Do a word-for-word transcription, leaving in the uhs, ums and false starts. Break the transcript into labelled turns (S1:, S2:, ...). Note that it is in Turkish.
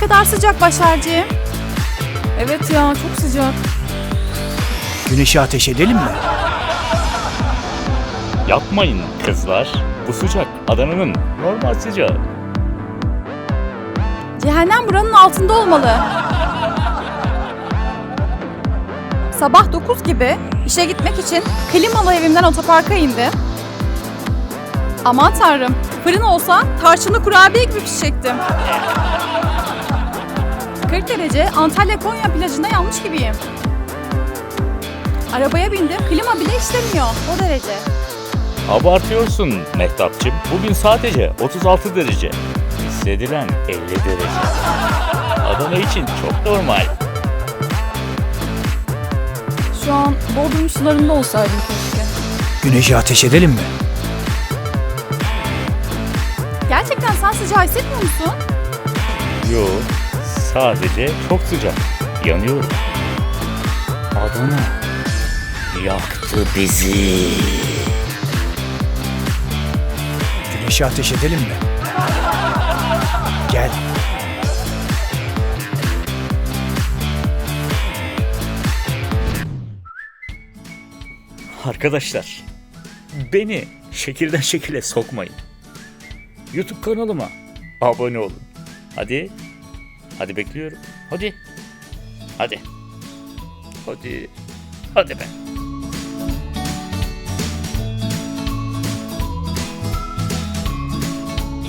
S1: kadar sıcak Başarcığım. Evet ya, çok sıcak.
S2: Güneşi ateş edelim mi?
S3: Yapmayın kızlar. Bu sıcak Adana'nın normal sıcağı.
S1: Cehennem buranın altında olmalı. Sabah dokuz gibi işe gitmek için klimalı evimden otoparka indim. Aman tanrım, fırın olsa tarçınlı kurabiye gibi pişecektim. kırk derece Antalya Konya plajında yanmış gibiyim. Arabaya bindim, klima bile işlemiyor, o derece.
S3: Abartıyorsun Mehtapçım. Bugün sadece otuz altı derece. Hissedilen elli derece. Adana için çok normal.
S1: Şu an Bodrum sularında olsaydım keşke.
S2: Güneşi ateş edelim mi?
S1: Gerçekten sen sıcağı hissetmiyor musun?
S3: Yo, sadece çok sıcak. Yanıyorum. Adana yaktı bizi.
S2: Güneşi ateş edelim mi? Gel.
S3: Arkadaşlar, beni şekilden şekile sokmayın. YouTube kanalıma abone olun. Hadi. Hadi bekliyorum. Hadi. Hadi. Hadi. Hadi be.